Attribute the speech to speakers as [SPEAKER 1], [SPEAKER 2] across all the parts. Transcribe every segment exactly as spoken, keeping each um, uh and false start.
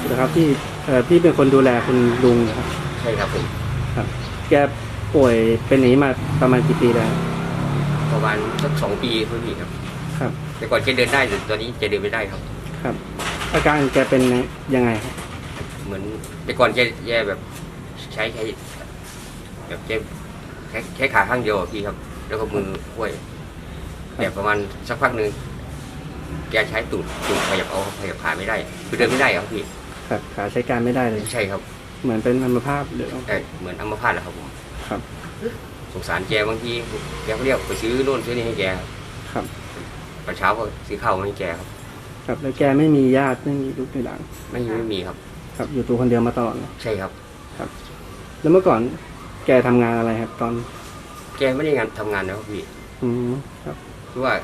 [SPEAKER 1] นะครับที่เอ่อพี่เป็นคนดูแลคุณลุงนะครับ
[SPEAKER 2] ใช่ครับผม
[SPEAKER 1] ครับแกป่วยเป็นอย่างนี้มาประมาณกี่ปีแล้ว
[SPEAKER 2] ประมาณสักสองปีเพิ่งอีกครับ
[SPEAKER 1] ครับ
[SPEAKER 2] แต่ก่อนแกเดินได้แต่ตอนนี้แกเดินไม่ได้ครับ
[SPEAKER 1] ครับอาการแกเป็นยังไงครับ
[SPEAKER 2] เหมือนแต่ก่อนแกแกแบบใช้ใช้แบบแกแค่แค่ขาข้างเดียวพี่ครับแล้วก็มือห้วยแบบประมาณสักพักหนึ่งแกใช้ตูดตูดขยับเอาขยับขาไม่ได้คือเดินไม่ได้ครับพี่
[SPEAKER 1] ครับขาใช้การไม่ได้เลย
[SPEAKER 2] ใช่ครับ
[SPEAKER 1] เหมือนเป็นอัมพาตหรือ
[SPEAKER 2] ใช่เหมือนอัมพาตแหละครับผม
[SPEAKER 1] ครับ
[SPEAKER 2] สงสารแกบางทีแกเขาเรียกไปซื้อโน่นซื้อนี่ให้แก
[SPEAKER 1] ครับ
[SPEAKER 2] ตอนเช้าก็ซื้อข้าวมาให้แกครับ
[SPEAKER 1] ครับแล้วแกไม่มีญาติไม่มีลูกไม่หลาน
[SPEAKER 2] ไม่ไม่มีครับ
[SPEAKER 1] ครับอยู่ตัวคนเดียวมาตลอด
[SPEAKER 2] ใช่ครับ
[SPEAKER 1] ครับแล้วเมื่อก่อนแกทำงานอะไรครับตอน
[SPEAKER 2] แกไม่ได้งานทำงานนะครับพี่
[SPEAKER 1] อืมครับ
[SPEAKER 2] คือว่า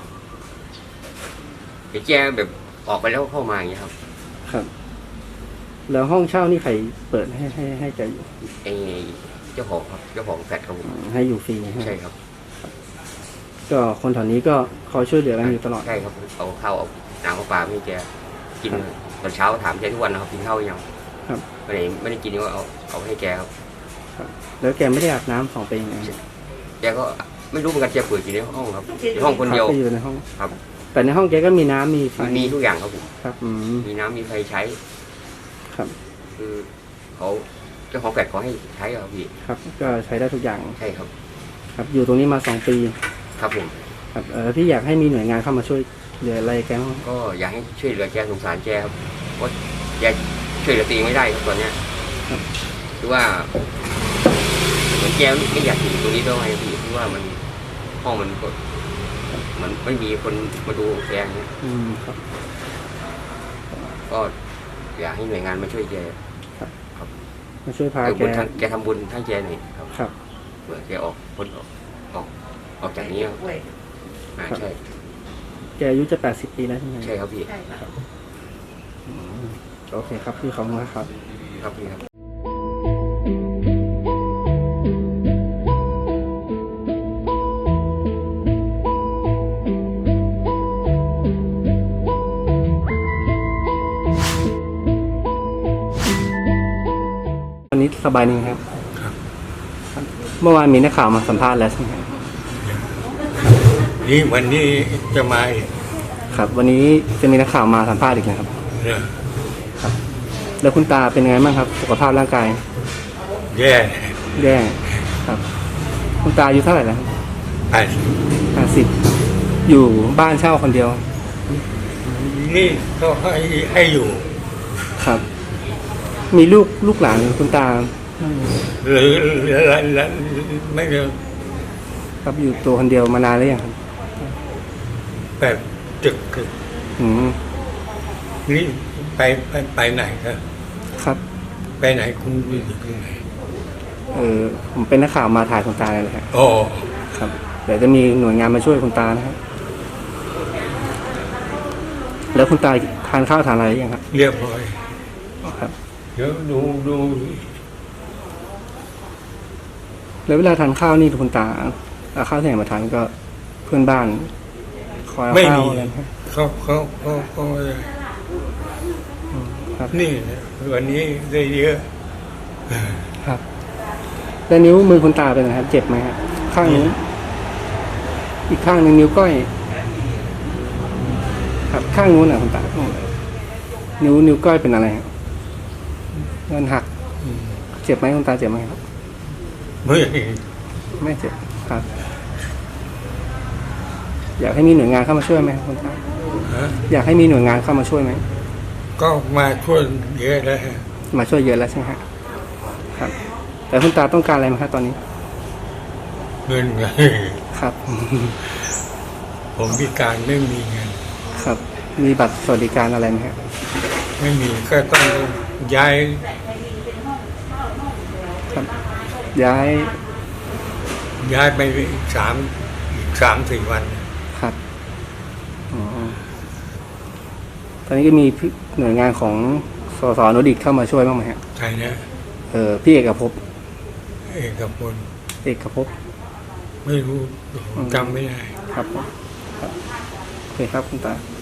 [SPEAKER 2] แกแบบออกไปแล้วเข้ามาอย่างเงี้ยครับ
[SPEAKER 1] ครับแล้วห้องเช่านี่ใครเปิดให้ให้ให้แกอยู่
[SPEAKER 2] ไอเจ้าของครับเจ้าของแฟลตครับผม
[SPEAKER 1] ให้อยู่ฟรี
[SPEAKER 2] ใช่ครับ
[SPEAKER 1] ก็คนแถวนี้ก็คอยช่วยเหลือกันอยู่ตลอด
[SPEAKER 2] ใช่ครับเอาข้าวเอาน้ำเอาปลาให้แกกินตอนเช้าถามแกทุกวันนะครับกินข้าวยัง
[SPEAKER 1] ครับ
[SPEAKER 2] ไม่ได้ไม่ได้กินก็เอาเอาให้แกครับ
[SPEAKER 1] แล้วแกไม่ได้อาบน้ำสองปีไง
[SPEAKER 2] แกก็ไม่รู้เหมือนกันแกเปิดอยู่ในห้องครับในห้องคนเดียว
[SPEAKER 1] อยู่ในห้อง
[SPEAKER 2] ครับ
[SPEAKER 1] แต่ในห้องแกก็มีน้ำมีไฟ
[SPEAKER 2] มีทุกอย่างครับผม
[SPEAKER 1] ครับ
[SPEAKER 2] มีน้ำมีไฟใช้
[SPEAKER 1] ครับ
[SPEAKER 2] คือเขาเจ้าของแฟลตเขาให้ใช้ครับพี่
[SPEAKER 1] ครับก็ใช้ได้ทุกอย่าง
[SPEAKER 2] ใช่ครับ
[SPEAKER 1] ครับอยู่ตรงนี้มาสองปี
[SPEAKER 2] ครับผม
[SPEAKER 1] ครับเออพี่อยากให้มีหน่วยงานเข้ามาช่วยเหลืออะไรแกบ้าง
[SPEAKER 2] ก็อยากให้ช่วยเหลือแกสงสารแกครับเพราะแกช่วยเหลือตัวเองไม่ได้ครับตอนเนี้ยคือว่าเหมือนแกไม่อยากอยู่ตรงนี้ด้วยพี่เพราะว่ามันห้องมันก็มันไม่มีคนมาดูแกเนี้ย
[SPEAKER 1] อืมครับ
[SPEAKER 2] ก็อยากให้หน่วยงานมาช่วยแก
[SPEAKER 1] ครับครับมาช่วยพาแก
[SPEAKER 2] แกทำบุญให้แกหน่อยครับ
[SPEAKER 1] ครับ
[SPEAKER 2] เผื่อแกออกพ้นออกออกออกจากนี้ครับใช่
[SPEAKER 1] แกอายุจะแปดสิบปีแล้วใช่ไหม
[SPEAKER 2] ใช่ครับพี่
[SPEAKER 1] โอเคครับพี่ขอบคุณครับ
[SPEAKER 2] ครับพี่ครับ
[SPEAKER 1] วันนี้สบายดีครับเมื่อวานมีนักข่าวมาสัมภาษณ์แล้วใช่ไหม
[SPEAKER 3] นี่วันนี้จะมา
[SPEAKER 1] ครับวันนี้จะมีนักข่าวมาสัมภาษณ์อีกนะครับครับแล้วคุณตาเป็นไงบ้างครับสุขภาพร่างกาย
[SPEAKER 3] แย่
[SPEAKER 1] แย่ครับคุณตาอายุเท่าไหร่แล้ว
[SPEAKER 3] แปด
[SPEAKER 1] ห้าสิบอยู่บ้านเช่าคนเดียว
[SPEAKER 3] นี่เขาให้ให้อยู่
[SPEAKER 1] ครับมีลูกลูกหลานคุณตา
[SPEAKER 3] หรือไม่เยอะ
[SPEAKER 1] ครับอยู่ตัวคนเดียวมานานแล้วยังครับ
[SPEAKER 3] แบบจึก
[SPEAKER 1] อืม
[SPEAKER 3] นี่ไปไปไปไหนครับ
[SPEAKER 1] ครับ
[SPEAKER 3] ไปไหนคุณอยู่ที่ไหน
[SPEAKER 1] เออผมเป็นนักข่าวมาถ่ายคุณตาเลยครับ
[SPEAKER 3] โอ้
[SPEAKER 1] ครับเดี๋ยวจะมีหน่วยงานมาช่วยคุณตานะครับแล้วคุณตาทานข้าวทานอะไรยังครับ
[SPEAKER 3] เรียบร้อย
[SPEAKER 1] ครับ
[SPEAKER 3] เดี๋ยวดูดู
[SPEAKER 1] แล้วเวลาทานข้าวนี่คุณตาเอาข้าวที่ไหนมาทานก็เพื่อนบ้านคอยเอาข้าวอะไร
[SPEAKER 3] เขาเขาเขาเขา
[SPEAKER 1] ครับ
[SPEAKER 3] นี่วันนี้ได้เยอะ
[SPEAKER 1] ครับแล้วนิ้วมือคุณตาเป็นไงครับเจ็บไหมครับข้างนี้อีกข้างหนึ่งนิ้วก้อยครับข้างนู้นน่ะคุณตานิ้วนิ้วก้อยเป็นอะไรครับมันหักเจ็บไหมคุณตาเจ็บไหมครับ
[SPEAKER 3] ไม่
[SPEAKER 1] ไม่เจ็บครับอยากให้มีหน่วยงานเข้ามาช่วยไหมคุณตาอยากให้มีหน่วยงานเข้ามาช่วยไหม
[SPEAKER 3] ก็มาช่วยเยอะแล้ว
[SPEAKER 1] มาช่วยเยอะแล้วใช่ไหมครับแต่คุณตาต้องการอะไรไหมครับตอนนี้
[SPEAKER 3] เงินไง
[SPEAKER 1] ครับ
[SPEAKER 3] ผมพิการไม่มีเงิน
[SPEAKER 1] ครับมีบัตรสวัสดิการอะไรไหมครับ
[SPEAKER 3] ไม่มีก็ต้องย้าย
[SPEAKER 1] ครับย้าย
[SPEAKER 3] ย้ายไปสามสามสี่วัน
[SPEAKER 1] ครับอ๋อตอนนี้ก็มีหน่วยงานของสสนดิตเข้ามาช่วยบ้างไหมครับ
[SPEAKER 3] ใช่นะ
[SPEAKER 1] เออพี่เอกภพ
[SPEAKER 3] เอกพล
[SPEAKER 1] เอกภพ
[SPEAKER 3] ไม่รู้จำไม่ได้
[SPEAKER 1] ครับครับโอเคครับคุณตา